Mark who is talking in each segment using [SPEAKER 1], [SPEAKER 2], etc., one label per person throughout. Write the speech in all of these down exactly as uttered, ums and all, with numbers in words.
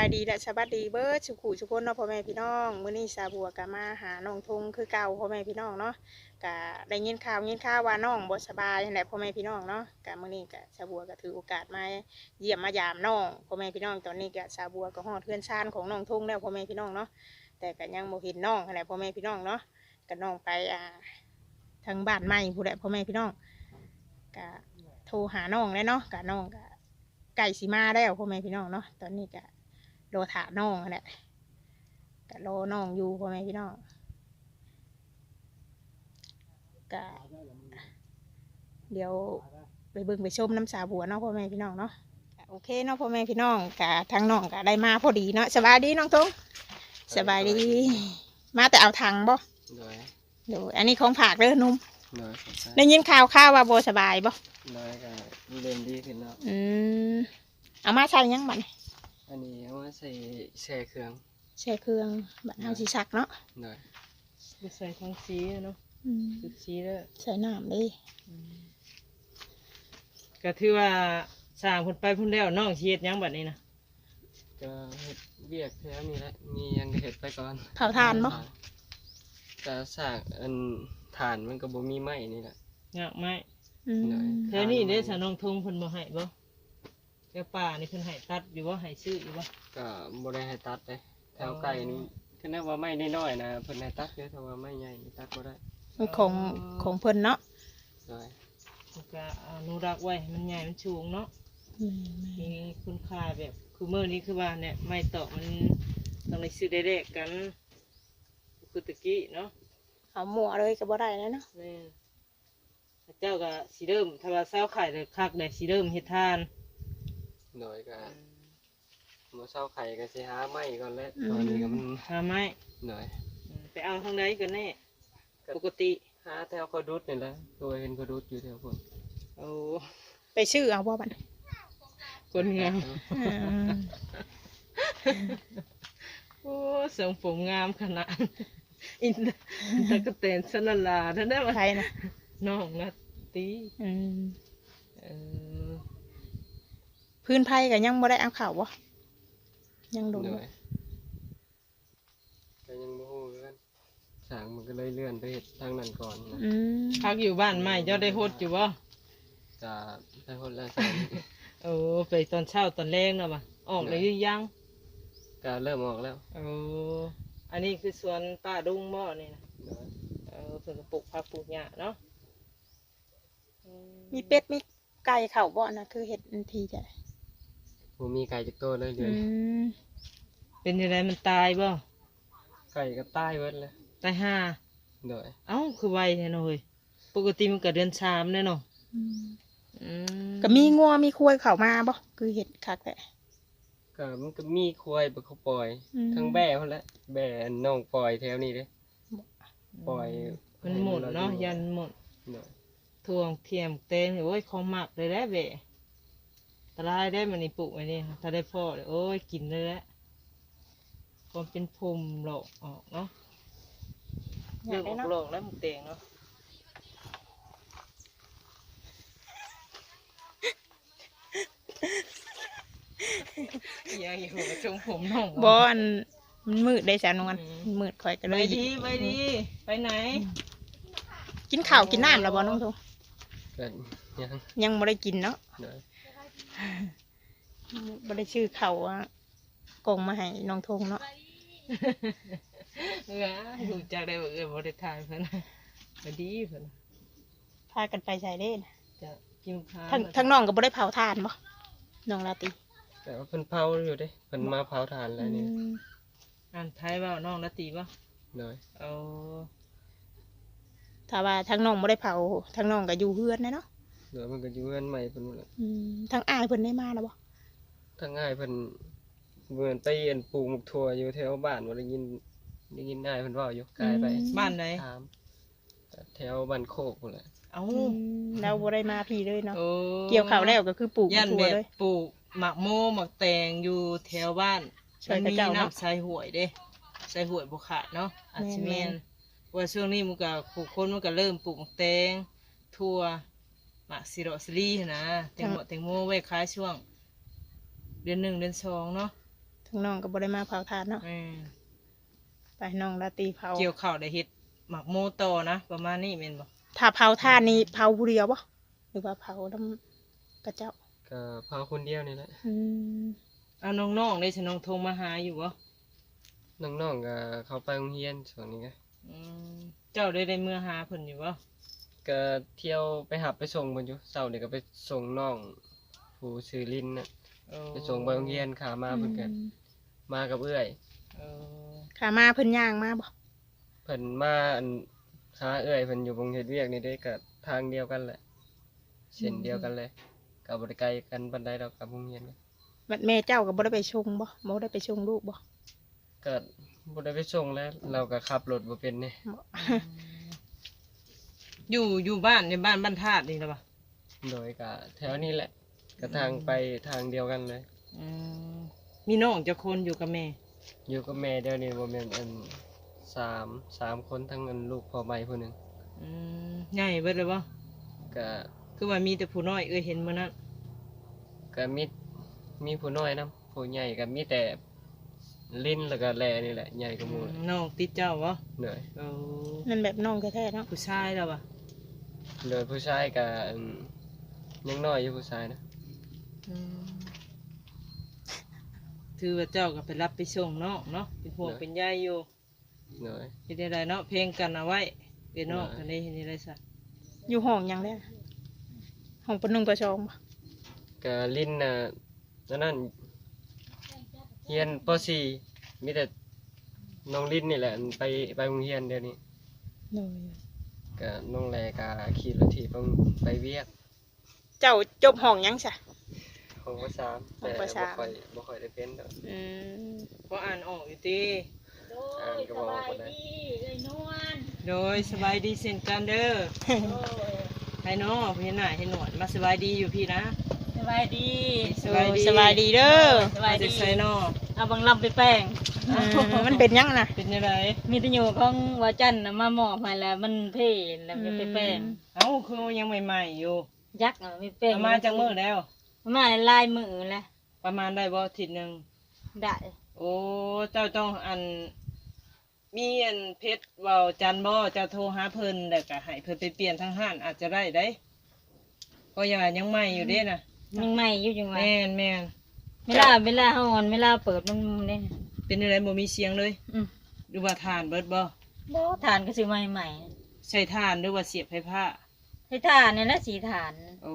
[SPEAKER 1] ายดีและสวัสดีเบิร์ดสุขุสุคนเนาะพ่อแม่พี่น้องมื้อนี้สาบัวก็มาหาน้องทงคือเก่าพ่อแม่พี่น้องเนาะก็ได้ยินข่าวยินข่าวว่าน้องบ่สบายนั่นแหละพ่อแม่พี่น้องเนาะก็มื้อนี้ก็สาบัวก็ถือโอกาสมาเยี่ยมมายามน้องพ่อแม่พี่น้องตอนนี้ก็สาบัวก็ฮอดเพื่อนชานของน้องทงแล้วพ่อแม่พี่น้องเนาะแต่ก็ยังบ่เห็นน้องนั่นแหละพ่อแม่พี่น้องเนาะก็น้องไปอ่าทางบ้านใหม่ผู้ใดพ่อแม่พี่น้องก็โทรหาน้องแล้วเนาะก็น้องก็ไก่สีมาแล้วพ่อแม่พี่น้องเนาะตอนนี้ก็โลถาน้องแหละก็โลน้องอยู่พ่อแม่พี่น้องก็เดี๋ยวไปเบิ่งไปชมน้ำสาบัวเนาะพ่อแม่พี่น้องเนาะโอเคเนาะพ่อแม่พี่น้องกะทางน้องก็ได้มาพอดีเนาะสบายดีน้องทงสบายดีมาแต่เอาถังบ่เดี๋ยวอันนี้ของผักเด้อนุ่มได้ยินข่าวข่าวว่าโบสบายบ่
[SPEAKER 2] น้อยก็เริ่มดีขึ้นแล้ว
[SPEAKER 1] อืมเอามาใช้ยังบัด
[SPEAKER 2] อันนี้เอามาใส่แช่เครื่อง
[SPEAKER 1] แช่เครื่องบัดเอาสีสักเนาะ
[SPEAKER 2] น้อย
[SPEAKER 3] ใส่ทั้งสีเนาะสุดสีแล้ว
[SPEAKER 1] ใส่น้ำดิ
[SPEAKER 3] ก็ถือว่าสร้างผลไปพุ่นแล้วน้องเชียดยังบัดนี้นะ
[SPEAKER 2] ก็เห็ดเบียกแถวนี้แหละมียังเห็ดไปก่อน
[SPEAKER 1] เผาทานบ่
[SPEAKER 2] แต่สร้างอันฐานมันก็บ่มีไม้นี่แหละ
[SPEAKER 3] ยากไหมแถวนี้ได้สานองทงเพิ่นบ่ให้บ่แถวป่านี่เพิ่นให้ตัดอยู่บ่ให้ซื้ออยู่บ่
[SPEAKER 2] ก็บ่ได้ให้ตัดเลยแถวไก่นี่คือนึกว่าไม้น้อยๆนะเพิ่นให้ตัดเยอะแต่ว่าไม้ใหญ่ตัดบ่ได้
[SPEAKER 1] ของของเพิ่นเนาะ
[SPEAKER 3] ก็อนุรักษ์ไว้มันใหญ่มันสูงเนาะมีคุณค่าแบบคือเมื่อนี้คือว่าเนี่ยไม้ตอกมันต้องได้ซื้อได้แลกกันคือตะกี้เนาะ
[SPEAKER 1] เอาหมัวเลยก็บ่ได้แล้วเนาะ
[SPEAKER 3] เจ้าก็สีเดิมถ้าว่าเศร้าไข่เลยคักเลยสีเดิมเฮ็ดทาน
[SPEAKER 2] โดยก็มาเศร้าไข่ก็สิหาไม้ก่อนแล้วตอนนี้ก็มัน
[SPEAKER 3] หาไม้
[SPEAKER 2] หน่อย
[SPEAKER 3] ไปเอาทางใดกันแน่ปกติ
[SPEAKER 2] หาแถวเขาดุดนี่แหละตัวเห็นเขาดุดอยู่แถวคน
[SPEAKER 3] โอ้
[SPEAKER 1] ไปชื่อเอาบ่บัด
[SPEAKER 3] คนงามโอ้ทรงผมงามขนาดอินตะกะเตนสนลาท่านได้มา
[SPEAKER 1] ใครนะ
[SPEAKER 3] น้องนะตี
[SPEAKER 1] พื้นไผ่ก็ยังบ่ได้เอาเข่าบ่ยังดู
[SPEAKER 2] ก็ยังโมโหกันสางมันก็เลยเลื่อนไปเห็ดทางนั้นก่อนนะ
[SPEAKER 3] พักอยู่บ้านใหม่เจ้าได้โฮดอยู่บ่
[SPEAKER 2] จะได้โฮดแล้ว
[SPEAKER 3] โอ้ไปตอนเช้าตอนแรงเนาะบ่ออกเลยยัง
[SPEAKER 2] ก็เริ่มออกแล้ว
[SPEAKER 3] โอ้อันนี้คือสวนป้าดุ้งหม้อนี่นะเออเพิ่งปลูกผักปลูกหญ้าเนาะ
[SPEAKER 1] มีเป็ดมีไก่เข่าบ่นะคือเห็ดทีจ้ะ
[SPEAKER 2] ผมมีไก่จักตัวเลยเดือน
[SPEAKER 3] เป็นยังไงมันตายบ่
[SPEAKER 2] ไก่ก็ตายเวิร์ดเลย
[SPEAKER 3] ตายห้า
[SPEAKER 2] เดี๋ยว
[SPEAKER 3] เอ้าคือไวแท้หน่อยปกติมันก็เดือนสามแน่เนาะ
[SPEAKER 1] ก็มีงัวมีควายเข่ามาบ่คือเห็ดคักแหละ
[SPEAKER 2] ก็มันก็มีควายไปเขาปล่อยทั้งแบ่เขาแหละแบ่น้องปล่อยแถวนี้เลยปล่อย
[SPEAKER 3] มันหมดเนาะยันหมดทวงเทียมเต้นโอ้ยของหมักเลยได้เบะตลายได้มันนี่ปลูกไว้นี่ถ้าได้พ่อเลยโอ้ยกินเลยแหละความเป็นภูมิหลอกออกเนาะเรื่องหลอกแล้วมันเต่งเนาะยังอยู่ชงผมน้อง
[SPEAKER 1] บอลมันมืดได้สาวนวลมืดคอยกันเลย
[SPEAKER 3] ไปดีไปดีไปไหน
[SPEAKER 1] กินข้าวกินน้ำแล้วบอน้องทง
[SPEAKER 2] ยัง
[SPEAKER 1] ยังไม่ได้กินเนาะไม่ได้ชื่อเขาว่ากงมาให้น้องทงเนาะ
[SPEAKER 3] เออดูจากได้บอกเออบริทายเพื่อนไปดีเพื่อน
[SPEAKER 1] พากันไปใส่เล่น
[SPEAKER 3] จะกินข้าว
[SPEAKER 1] ทั้งทั้งน้องกับบริเผาทานบ่น้องลาตี
[SPEAKER 2] แต่ว่าเพิ่นเผาอยู่ดิเพิ่นมาเผาทานอะไรนี่
[SPEAKER 3] อ่านไทยว่าน้องลาตีบ่
[SPEAKER 2] หน่อย
[SPEAKER 3] เอา
[SPEAKER 1] ถ้าว่าทั้งน้องไม่ได้เผาทั้งน้องก็อยู่เฮือนนะเนาะ
[SPEAKER 2] เดี๋ยวมันก็อยู่เฮือนใหม่เพิ่นหมดเลย
[SPEAKER 1] ทั้งอ้ายเพิ่นได้มาแล้วบ่
[SPEAKER 2] ทั้งอ้ายเพิ่นเหมือนไปเรียนปลูกหมกถั่วอยู่แถวบ้านว่าได้ยินได้ยินอ้ายเพิ่นว่าอยู่ไกลไป
[SPEAKER 3] บ้านไหน
[SPEAKER 2] แถวบ้านโคกพุ่นแหละ
[SPEAKER 3] เอ้า
[SPEAKER 1] เราบ่ได้มาพี่เลยเนาะเกี่ยวข้าวแล้วก็คือปลูกถั่วเลย
[SPEAKER 3] ปลูกหมักโมหมักแตงอยู่แถวบ้านมันมีน้ำใส่หวยเด้ใส่หวยบุขาดเนาะอาชิเมนว่าช่วงนี้มันก็ผู้คนมันก็เริ่มปลูกหมักแตงถั่วหมักซิโรสลีนะแตงโมแตงโมไว้ขายช่วงเดือนหนึ่งเดือนสองเนาะ
[SPEAKER 1] ทั้งน้องก็บ่ได้มาเผาทานเนาะ
[SPEAKER 3] แม่น
[SPEAKER 1] ไปน้องราตรีเผา
[SPEAKER 3] เกี่ยวข้าวได้เฮ็ดหมักโมโตนะประมาณนี้แม่นบ่
[SPEAKER 1] ถ้าเผาทานนี่เผาผู้เดียวบ่หรือว่าเผาน้ำกระเจ้า
[SPEAKER 2] ก็พาคนเดียวนี่แหละ
[SPEAKER 1] อืม
[SPEAKER 3] เอาน้องๆได้สิน้องโทรมาหาอยู่บ่
[SPEAKER 2] น้องๆก็เข้าไปโรงเรียนช่วงนี้ก็
[SPEAKER 3] อืมเจ้าได้ได้เมื่อหาเพิ่นอยู่บ่
[SPEAKER 2] ก็เที่ยวไปหับไปส่งเพิ่นอยู่เช้านี่ก็ไปส่งน้องผู้ชื่อลินน่ะ
[SPEAKER 3] เออ
[SPEAKER 2] ไปส่งไปโรงเรียนขามาเพิ่นก็มากับเอื้อย
[SPEAKER 3] เออ
[SPEAKER 1] ขามาเพิ่นย่างมาบ่
[SPEAKER 2] เพิ่นมาอันหาเอื้อยเพิ่นอยู่วงเฮ็ดเวียกนี่ได้ก็ทางเดียวกันแหละเส้นเดียวกันเลยก็บ่ได้ไกลกันปานใดดอกกับโรงเรียนก็
[SPEAKER 1] บัดแม่เจ้าก็บ่ได้ไปชงบ่บ่ได้ไปชงลูกบ่
[SPEAKER 2] ก็บ่ได้ไปส่งแล้วเราก็ขับรถบ่เป็นนี่
[SPEAKER 1] บ่
[SPEAKER 3] อยู่อยู่บ้านในบ้านบ้านธาตุนี่ล่ะบ่
[SPEAKER 2] โดยก็แถวนี้แหละก็ทางไปทางเดียวกันเลย
[SPEAKER 3] อืมมีน้องจักคนอยู่กับแม่
[SPEAKER 2] อยู่กับแม่เดี๋ยวนี้บ่แม่นอันสามสามคนทั้งอันลูกพ่อใหม่ผู้หนึง
[SPEAKER 3] อืมใหญ่เบิดเลยบ่
[SPEAKER 2] ก็
[SPEAKER 3] คือว่ามีแต่ผู้น้อยเอ้ยเห็นมื้อนั้น
[SPEAKER 2] ก็มีมีผู้น้อยนํผู้ใหญ่ก็มีแต่ลิ้นแล้วก็แลนี่แหละใหญ่กว่าหมู่
[SPEAKER 3] น้องติดเจ้าบ่
[SPEAKER 2] เหนื่อย
[SPEAKER 3] เออ
[SPEAKER 1] นั่นแบบน้องแท้ๆเนาะ
[SPEAKER 3] ผู้ชายแล้วบ่
[SPEAKER 2] โดยผู้ชายก็อันยังน้อยอยู่ผู้ชายนะ
[SPEAKER 3] อืมถือว่าเจ้าก็ไปรับไปส่งน้องเนาะเป็นห่วงเป็นใยอยู่
[SPEAKER 2] เหนื่อย
[SPEAKER 3] เฮ็ดได้เนาะเพลงกันเอาไว้เป็นน้องกันได้เฮ็ดได้ซะ
[SPEAKER 1] อยู่ห้องหยังแล้วห้องปะหนึ่งปะสองบ่
[SPEAKER 2] ก็ลิ้นน่ะนั่นนั่นเรียนป .สี่ มีแต่น้องลิ้นนี่แหละอันไปไปโรงเรียนเดี๋ยวนี้
[SPEAKER 1] โดย
[SPEAKER 2] ก็น้องแลก็ขี่รถถีบไปไปเวียก
[SPEAKER 1] เจ้าจบห้องหยังซะ
[SPEAKER 2] ของภาษาม
[SPEAKER 1] ของ
[SPEAKER 2] แต่
[SPEAKER 1] ป
[SPEAKER 2] บ่
[SPEAKER 1] สาม
[SPEAKER 2] ค่อยบ่ค่อยได้เป็นดอก
[SPEAKER 1] อืม
[SPEAKER 3] บ่อ่านออกอยู่ติ
[SPEAKER 2] อ่านก็บ่ออกปานใด
[SPEAKER 3] โดยสบายดีเช่นกันเด้อให้น้องเห็นหน้าเห็นหนวดมาสบายดีอยู่พี่นะ
[SPEAKER 4] สบายดี
[SPEAKER 3] สบายดี
[SPEAKER 1] สบายดีเด้อ
[SPEAKER 4] สบายดี
[SPEAKER 3] จะใส่น้อง
[SPEAKER 4] เอาบังลำไปแป้ง
[SPEAKER 1] อืมมันเป็นหยังน่ะ
[SPEAKER 3] เป็นยังไง
[SPEAKER 4] มีแตะอยู่ของวาจันน่ะมาหมอบให้แล้วมันเพ่แล้วมันไปแป้ง
[SPEAKER 3] เอ้าคือยังใหม่ๆอยู่
[SPEAKER 4] ยักษ์อ่ะมีแป้ง
[SPEAKER 3] ประมาณจังมื้อแล้ว
[SPEAKER 4] ประมาณลายมือแหละ
[SPEAKER 3] ประมาณได้บ่อาทิศนึง
[SPEAKER 4] ได้
[SPEAKER 3] โอ้เจ้าต้องอันมีอันเพชรเว้าจันบ่เจ้าโทรหาเพิ่นแล้วก็ให้เพิ่นไปเปลี่ยนทางห้านอาจจะได้ได้ก็ยังว่ายังใหม่อยู่เด้น่ะ
[SPEAKER 4] ยังใหม่อยู่จังหวะ
[SPEAKER 3] แม่นแม่น
[SPEAKER 4] เวลาเวลาเฮาอ่อนเวลาเปิดมันเนี่ย
[SPEAKER 3] เป็นอะไรบ่มีเสียงเลย
[SPEAKER 4] อืม
[SPEAKER 3] หรือว่าทานเบิดบ่
[SPEAKER 4] บ่ฐานก็ซื้อมาใหม่
[SPEAKER 3] ใช้ทานหรือว่าเสียบไฟฟ้า
[SPEAKER 4] ๆให้ฐานนี่แหละสีฐาน
[SPEAKER 3] โอ้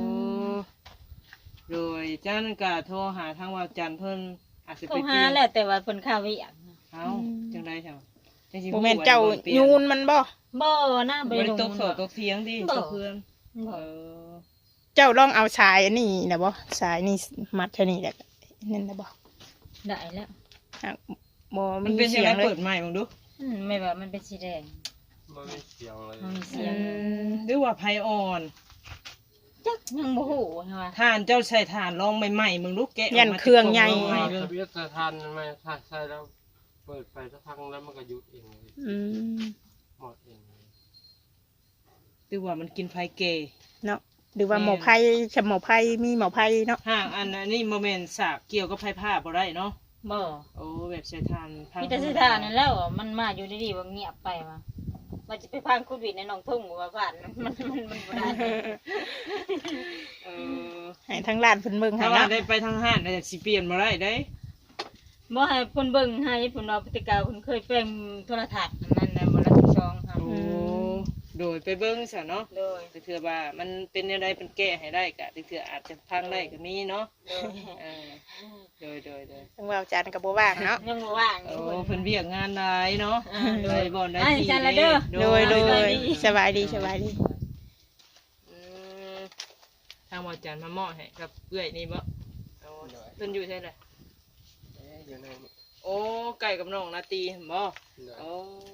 [SPEAKER 3] โดยเจ้านั่นก็โทรหาทางว่าจันทร์เพิ่นอาจจะ
[SPEAKER 4] โทร
[SPEAKER 3] ไป
[SPEAKER 4] หาแล้วแต่ว่าเพิ่นข้าวอีหยัง
[SPEAKER 3] เอ้าจังได๋เจ้าจังสิ
[SPEAKER 1] บ่แม่นเจ้ายูนมันบ่
[SPEAKER 4] บ่นะ
[SPEAKER 3] บ่
[SPEAKER 4] ไป
[SPEAKER 3] ได้
[SPEAKER 4] ลง
[SPEAKER 3] ตกโสตกเถียงดิ
[SPEAKER 4] บ่
[SPEAKER 3] กับเพื่อน
[SPEAKER 4] บ่
[SPEAKER 3] เออ
[SPEAKER 1] เจ้าลองเอาสายอันนี้นะบ่สายนี่มัดเท่านี้แหละนั่นนะบ่
[SPEAKER 4] ได้แล้ว
[SPEAKER 1] อ่ะบ่
[SPEAKER 3] มั
[SPEAKER 1] มี
[SPEAKER 3] นเป็น
[SPEAKER 1] เสี
[SPEAKER 3] ยัง
[SPEAKER 1] ย
[SPEAKER 3] ไง
[SPEAKER 1] งเล
[SPEAKER 3] เปิ
[SPEAKER 1] ย
[SPEAKER 3] ดใหม่มึงดู
[SPEAKER 4] อืมไม่ว่ามันเป็นสีแดง
[SPEAKER 2] บ่มีเสียงเลย
[SPEAKER 4] มันมี
[SPEAKER 1] อื
[SPEAKER 4] เสียง
[SPEAKER 1] ม
[SPEAKER 3] หรือว่าไผอ่อน
[SPEAKER 4] จักยังบ่ฮู้ใช่ป่ะ
[SPEAKER 3] ทานเจ้าใส่ทานลองใหม่ๆมึงดูแกะก
[SPEAKER 1] ยัน
[SPEAKER 3] มา
[SPEAKER 1] เครื่องใหญ่
[SPEAKER 3] จากกล่
[SPEAKER 2] ทา
[SPEAKER 3] อง
[SPEAKER 2] น
[SPEAKER 3] เบิ่ง
[SPEAKER 2] ทะเบียนสถานมันไม่ถ้าใช่แล้วเปิดไปสักพักแล้วมันก็หยุดเองเลย
[SPEAKER 1] อืม
[SPEAKER 2] หมดเองเลย
[SPEAKER 3] หรือว่ามันกินไฟเกย
[SPEAKER 1] เนาะหรือว่าหมอไผ่ฉหมอไผ่มีหมอไผ่เนาะ
[SPEAKER 3] ห่างอันอันนี้โมเมนต์สากเกี่ยวกับไฟผ้าบ่ได้เนาะ
[SPEAKER 4] บ่
[SPEAKER 3] โอ้แบบใส่ทานพัง
[SPEAKER 4] มีแต่สีฐานนั่นแล้วอะมันมาอยู่ดีๆว่าเงียบไปว่ะว่าจะไปพังโควิดในหนองทุ่งว่าผ่านมันมันมันมันบ่ได้
[SPEAKER 3] เออ
[SPEAKER 1] ให้ทั้งร้านเพิ่นเบิ่งให้
[SPEAKER 3] ถ้าว่า
[SPEAKER 1] เนาะ
[SPEAKER 3] ได้ไปทางห้านได้สิเปลี่ยนบ่ได้ได้
[SPEAKER 4] บ่ให้เพิ่นเบิ่งให้เพิ่นเอาพฤติกรรมเพิ่นเคยแปลงโทรทัศน์อันนั้นน่ะบ่ละสิบสองครับ
[SPEAKER 3] โอ้โดยไปเบิ่งซะเนาะ
[SPEAKER 4] โดย
[SPEAKER 3] แต่เถื่อว่ามันเป็นอะไรเป็นแก้ให้ได้กะแต่เถื่ออาจจะพังได้ก็มีเนาะ
[SPEAKER 4] โดย
[SPEAKER 3] เออโดยโดยโดย
[SPEAKER 1] ทั้งว่าอาจารย์ก็บ่ว่างเนาะ
[SPEAKER 4] ยังบ่ว่างอ
[SPEAKER 3] โอ้
[SPEAKER 4] ยู่
[SPEAKER 3] เพิ่นเวียกงานหลายเนาะ
[SPEAKER 4] อ่าโด
[SPEAKER 3] โด
[SPEAKER 4] ย
[SPEAKER 3] ยบ่ได้
[SPEAKER 4] อ่า
[SPEAKER 3] ที่
[SPEAKER 4] จันละเด้อ
[SPEAKER 1] โดยโด
[SPEAKER 4] สบาย
[SPEAKER 1] ย
[SPEAKER 4] ดี
[SPEAKER 1] สบายดีสบายดี
[SPEAKER 3] อืมทางหมอจันมาเหมาะให้กับเอื้อยนี่บ่เอาเพิ่นอยู่ใช่ไหม
[SPEAKER 2] เอ๊ะอยู่ในนี่
[SPEAKER 3] โอ้ไก่กับน้องนาตีเห็นบ่
[SPEAKER 2] เดี๋ยว
[SPEAKER 3] โอ้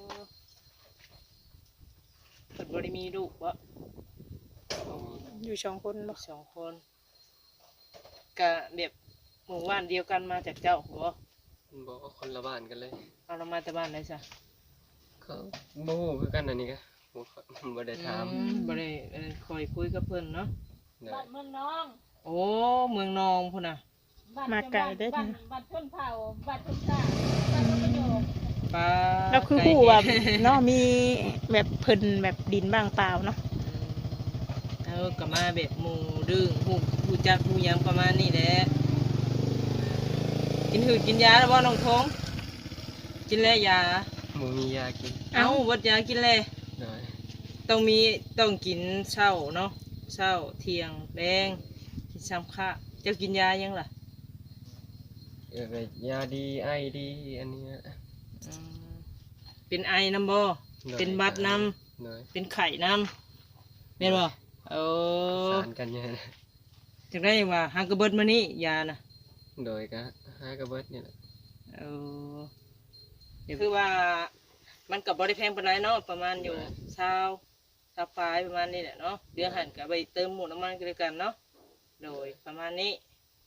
[SPEAKER 3] เพิ่นบ่ได้มีลูกบ่
[SPEAKER 1] อยู่สองคนบ่
[SPEAKER 3] สองคนก็แบบหมู่บ้านเดียวกันมาจากเจ้าบ่
[SPEAKER 2] บอกว่าคนละบ้านกันเลย
[SPEAKER 3] เอาเรามาแต่บ้านไหนซะ
[SPEAKER 2] ก็บ่ฮู้คือกันอันนี้ก็บ่ค่อยบ่ได้ถาม
[SPEAKER 3] อืมบ่ได้เอ่อคอยคุยกับเพิ่นเนาะ
[SPEAKER 2] เดี๋ยว
[SPEAKER 4] บ้านเมืองน้อง
[SPEAKER 3] โอ้เมืองนองพุ่นน่ะ
[SPEAKER 4] บบ้าน
[SPEAKER 1] มาไกลเด้อ
[SPEAKER 4] บ้านบ้านชนเผ่าบ้านชนชาติบ้านพระประโยค
[SPEAKER 3] ปลา
[SPEAKER 1] แล้วคือ
[SPEAKER 3] ไก่
[SPEAKER 1] ฮู้ว่าเนาะมีแบบเพิ่นแบบดินบ้างเปล่าเนาะ
[SPEAKER 3] เออก็มาแบบหมูดึงหูหูจักหูหยังประมาณนี้แหละกินหืดกินยาแล้วบ่น้องทงกินแล้วยา
[SPEAKER 2] หมูมียากิน
[SPEAKER 3] เอ้าวัดยากินแล้ว
[SPEAKER 2] โดย
[SPEAKER 3] ต้องมีต้องกินเช้าเนาะเช้าเที่ยงแดงกินซ้ำค่ะเจ้ากินยายังล่ะ
[SPEAKER 2] เออก็ยาดีไอดีอันนี้นะ
[SPEAKER 3] อืมเป็นไอน้ำบ่
[SPEAKER 2] โดย
[SPEAKER 3] เป็นบัดน้
[SPEAKER 2] โดย
[SPEAKER 3] ำเป็นไข่น้ำเป็นบ่โอ้
[SPEAKER 2] สารกันเนี่ยนะ
[SPEAKER 3] จังได้ว่าหางกระเบิดมานี่ยานะ
[SPEAKER 2] โดยก็หากระเบิดนี่แหละ
[SPEAKER 3] เออเดี๋ยวคือว่ามันกับบริแพงปานใดเนาะประมาณอยู่เช้าเช้าปลายประมาณนี้แหละเนาะเดือหันกับไปเติมหมูน้ำมันกันเลยกันเนาะโดยประมาณนี้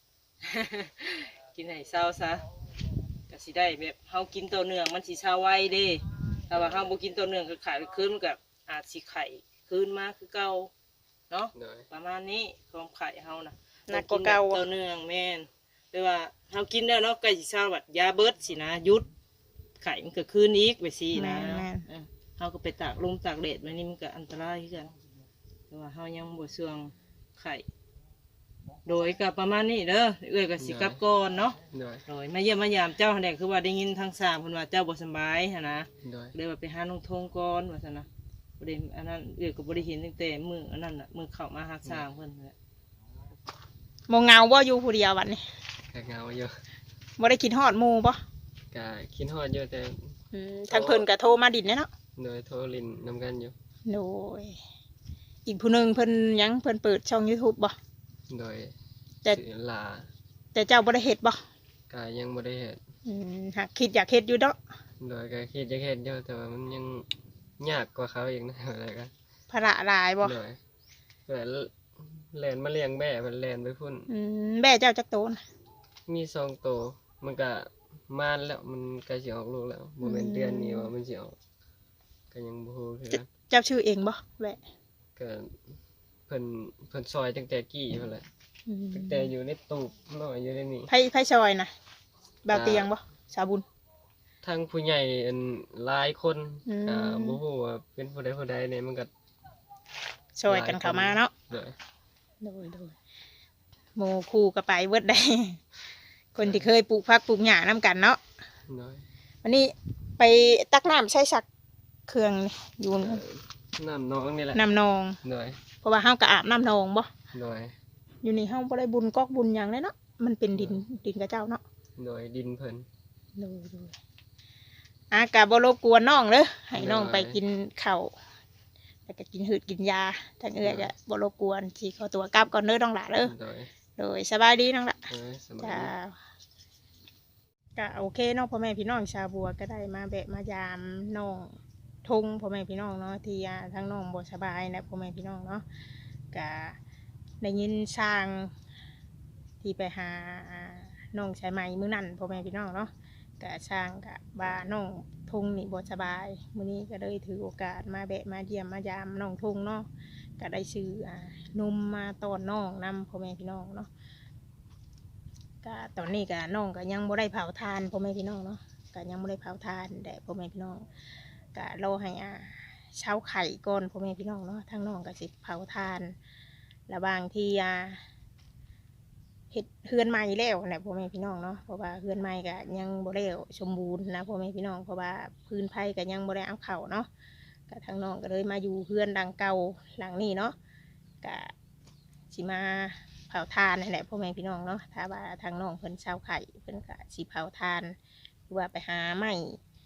[SPEAKER 3] กินให้เช้าซะก็สิได้แบบเฮากินตัวเนื่องมันสิเช้าไวเด้ถ้าว่าเฮาบ่กินตัวเนื่องก็ขายไปคืนมันก็อาจสิไข่คืนมาคือเก่าเนาะ
[SPEAKER 2] โดย
[SPEAKER 3] ประมาณนี้ความไข่เฮานะ
[SPEAKER 1] หนักกว่าเก่า
[SPEAKER 3] ตัวเนื่องแม่นหรือว่าเฮากินแล้วเนาะใกล้สิเช้าบัดยาเบิดสินะหยุดไข่มันก็คืนอีกไปสินะ
[SPEAKER 1] แม่น
[SPEAKER 3] เออเฮาก็ไปตากลมตากแดดไว้นี่มันก็อันตรายคือกันแต่ว่าเฮายังบ่เสื่องไข่โดยก็ประมาณนี้เด้อเอื้อยก็สิกลับก่อนเนาะ
[SPEAKER 2] โดย
[SPEAKER 3] โดยมาเยี่ยมมายามเจ้าหั่นแหละคือว่าได้ยินทางสามเพิ่นว่าเจ้าบ่สำบายหั่นนะ
[SPEAKER 2] โดย
[SPEAKER 3] เลยว่าไปหาน้องทงก่อนว่าซั่นนะบ่ได้อันนั้นเอื้อยก็บ่ได้เห็นตั้งแต่มื้ออันนั้นน่ะมื้อเข้ามาหาสร้างเพิ่นนั่นแหละ
[SPEAKER 1] บ่เหงาบ่อยู่ผู้เดียวบัดนี้
[SPEAKER 2] ก็เหงาอยู่
[SPEAKER 1] บ่ได้คิดฮอดหมู่บ่
[SPEAKER 2] ก็คิดฮอดอยู่แต่
[SPEAKER 1] อืมทางเพิ่นก็โทรมาดินแน่เนาะ
[SPEAKER 2] โดยโทรลินนำกันอยู่
[SPEAKER 1] โดยอีกผู้หนึงเพิ่นยังเพิ่นเปิดช่อง YouTube บ่
[SPEAKER 2] โดย
[SPEAKER 1] แต่
[SPEAKER 2] สื่อลา
[SPEAKER 1] แต่เจ้าบ่ได้เฮ็ดบ่
[SPEAKER 2] ก็ยังบ่ได้เฮ็ด
[SPEAKER 1] อืมหากคิดอยากเฮ็ดอยู่เนาะ
[SPEAKER 2] โดยก็คิดจะเฮ็ดอยู่แต่ว่ามันยังยากกว่าเขาอีกนะ อะไรก็
[SPEAKER 1] ภาระหลายบ่
[SPEAKER 2] โดยเพื่อแล่นมาเลี้ยงแม่มันแล่นไปพุ่น
[SPEAKER 1] อืมแม่เจ้าจักโตน
[SPEAKER 2] มีสองตัวมันก็มานแล้วมันใกล้สิออกลูกแล้วบ่แม่นเดือนนี้ว่ามันสิออกก็ยังบ่ฮู้คือกัน
[SPEAKER 1] เจ้าชื่อเองบ่แม่
[SPEAKER 2] ก็เพิ่นเพิ่นซอยตั้งแต่กี้พุ่นแหละ
[SPEAKER 1] อืม
[SPEAKER 2] ตั้งแต่อยู่ในตูบน้อยอยู่ในนี่
[SPEAKER 1] ไผไผซอยน่ะบ่าวเตียงบ่สาวบุญ
[SPEAKER 2] ทั้งผู้ใหญ่อันหลายคน
[SPEAKER 1] อืม
[SPEAKER 2] ก็บ่ฮู้ว่าเป็นผู้ใดผู้ใดเนี่ยมันก็
[SPEAKER 1] ซอยกันเข้ามาเนาะ
[SPEAKER 2] โดย
[SPEAKER 1] โดยโดยหมู่คู่ก็ไปเบิดได้ คนที่เคยปลูกผักปลูกหญ้านํกันเนาะ
[SPEAKER 2] โดย
[SPEAKER 1] วันนี้ไปตักน้ำใช้สักเครื่องนี่อยู่
[SPEAKER 2] เอ่อน้ำน้องนี่แหละ
[SPEAKER 1] น้ำนอง
[SPEAKER 2] โดย
[SPEAKER 1] เพราะว่าเฮาก็อาบน้ำนองบ่
[SPEAKER 2] โดย
[SPEAKER 1] อยู่นี่เฮาบ่ได้บุญกอกบุญหยังเลยเนาะมันเป็นดินดินกับเจ้าเนาะ
[SPEAKER 2] โดยดินเพิ่น
[SPEAKER 1] โดยโดยอากะบ่รบกวนน้องเด้อให้น้องไปกินข้าวแล้วก็กินหืดกินยาทางเอื้อยก็บ่รบกวนสิขอตัวกลับก่อนเด้อน้องหล่ะเด้อ
[SPEAKER 2] โดย
[SPEAKER 1] โดยสบายดีน้องหล่ะ
[SPEAKER 2] โดยสบาย
[SPEAKER 1] จ้า
[SPEAKER 2] ดี
[SPEAKER 1] ก็โอเคเนาะพ่อแม่พี่น้องชาวบัวก็ได้มาแบะมายามน้องทงพ่อแม่พี่น้องเนาะที่อ่าทั้งน้องบ่สบายนะพ่อแม่พี่น้องเนาะก็ได้ยินสร้างที่ไปหาอ่าน้องชายใหม่มื้อนั้นพ่อแม่พี่น้องเนาะก็สร้างก็ว่าน้องทงนี่บ่สบายมื้อนี้ก็เลยถือโอกาสมาแบะมาเยี่ยมมายามน้องทงเนาะก็ได้ซื้ออ่านมมาต้อนน้องนำพ่อแม่พี่น้องเนาะ ก็ตอนนี้ก็น้องก็ยังบ่ได้เผาทานพ่อแม่พี่น้องเนาะก็ยังบ่ได้เผาทานแต่พ่อแม่พี่น้องก็รอให้อ่าเช้าไข่ก่อนพ่อแม่พี่น้องเนาะทางน้องก็สิเผาทานและบางที่อ่าเฮ็ดเฮือนใหม่แล้วแหละพ่อแม่พี่น้องเนาะเพราะว่าเฮือนใหม่ก็ยังบ่ได้สมบูรณ์นะพ่อแม่พี่น้องเพราะว่าพื้นไผ่ก็ยังบ่ได้เอาเข้าเนาะก็ทางน้องก็เลยมาอยู่เฮือนดังเก่าหลังนี้เนาะก็สิมา เผาทานนั่นแหละพ่อแม่พี่น้องเนาะถ้าว่าทางน้องเพิ่นเช่าไข่เพิ่นก็สิเผาทานหรือว่าไปหาไม้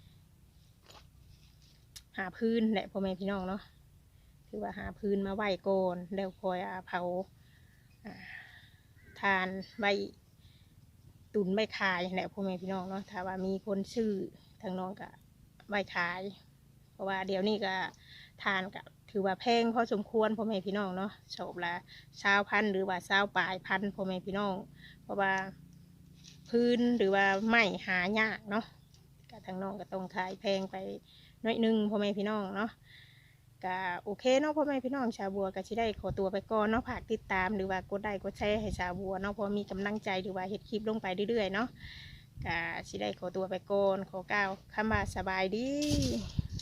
[SPEAKER 1] หาพื้นแหละพ่อแม่พี่น้องเนาะคือว่าหาพื้นมาไหว้ก่อนแล้วคอยเอาเผาอ่าทานใบตุนใบขายแหละพ่อแม่พี่น้องเนาะถ้าว่ามีคนซื้อทางน้องก็ใบขาย เพราะว่าเดี๋ยวนี้ก็ทานก็ถือว่าแพงพอสมควรพ่อแม่พี่น้องเนาะโฉบละเช้าพันหรือว่าเช้าปลายพันพ่อแม่พี่น้องเพราะว่าพื้นหรือว่าไม้หายากเนาะก็ทางน้องก็ต้องขายแพงไปน้อยหนึงพ่อแม่พี่น้องเนาะก็โอเคเนาะพ่อแม่พี่น้องชาวบัวก็สิได้ขอตัวไปก่อนเนาะฝากติดตามหรือว่ากดไลค์กดแชร์ให้ชาวบัวเนาะเพอมีกำลังใจหรือว่าเฮ็ดคลิปลงไปเรื่อยๆเนาะก็สิได้ขอตัวไปก่อนขอกล่าวคำว่าสบายดี